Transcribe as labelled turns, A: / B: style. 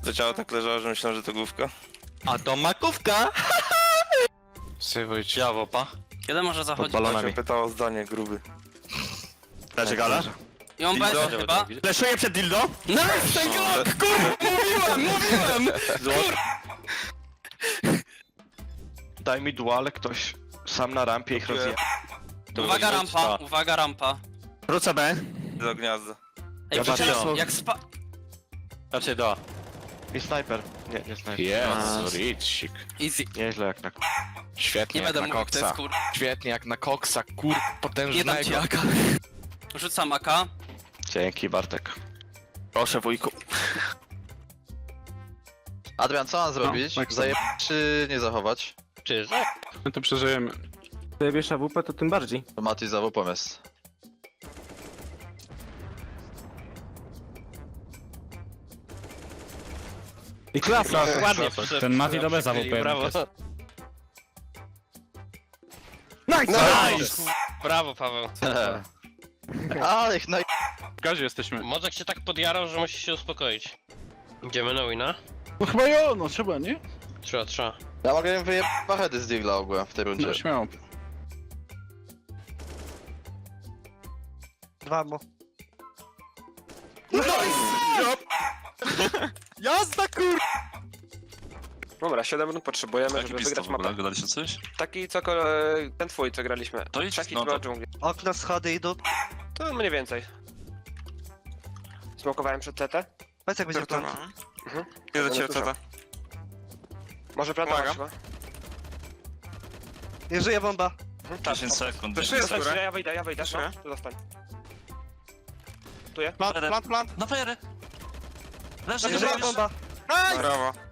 A: To ciało tak leżało, że myślałem, że to główka.
B: A to makówka!
C: Sejwujcie.
B: Ciało, pa.
D: Jeden może zachodzić.
A: To się pytało o zdanie, gruby.
B: Dacie gala?
D: I on
B: Dildo?
D: będzie chyba.
B: Fleszuję przed dildo?
D: Nice, ten Glock! Kurwa, mówiłem!
C: Daj mi duale ktoś. Sam na rampie ich rozje...
D: Uwaga rampa, uwaga rampa.
B: Wrócę B.
A: Do gniazda.
D: Ej,
B: Zobaczcie,
D: widzicie,
B: no.
D: jak spa...
B: Raczej do A.
C: I snajper. Nie snajper.
E: Jezu, Ricik.
D: Easy.
C: Nieźle jak na...
E: Świetnie
D: Nie
E: jak
D: będę
E: na
D: mówił, kto jest
E: koksa.
D: kur...
E: Świetnie jak na koksa, kur...
D: Nie dam ci
E: potężnego.
D: AK. Rzucam AK.
C: Dzięki Bartek.
B: Proszę wujku.
F: Adrian, co mam zrobić?
G: Max.
F: Zajeb czy nie zachować?
G: My to przeżyjemy. Zajebiesz AWP, to tym bardziej.
F: To Mati za WP jest.
G: I klasa!
B: Ładnie.
H: Ten Mati do bez AWP.
B: Brawo.
G: Nice!
I: Brawo, Paweł.
F: Ale ich naj...
G: W gazie jesteśmy.
I: Mozek się tak podjarał, że musi się uspokoić. Idziemy na wina?
G: No chyba jo, no trzeba, nie?
I: Trzeba.
F: Ja mogę im wyjebać heady z Digla ogółem w tej rundzie.
G: No śmiało.
B: Jazda, kur...
J: Dobra, 7 rund potrzebujemy,
K: Jaki
J: żeby
K: pistol
J: wygrać
K: w ogóle?
J: mapę.
K: Gadaliście coś?
J: Taki co ten twój, co graliśmy.
K: To idź,
J: Taki
K: no to-
J: dżungli.
F: Okna, schody idą.
J: To mniej więcej. Smokowałem przed CT.
F: Powiedz jak będzie plan.
A: Nie do ciebie,
J: Dużo.
A: tata.
J: Może planować
A: Pomagam.
J: chyba.
F: Nie żyje bomba.
K: 10 sekund.
A: To
K: 10
A: jest
K: sekund.
A: górę.
J: Ja wyjdę,
A: Proszę.
J: no, tu zostań.
B: Plant.
K: Na fajerę. Leży,
J: Nie
K: leży,
J: żyje
K: leży.
J: bomba.
A: Brawo.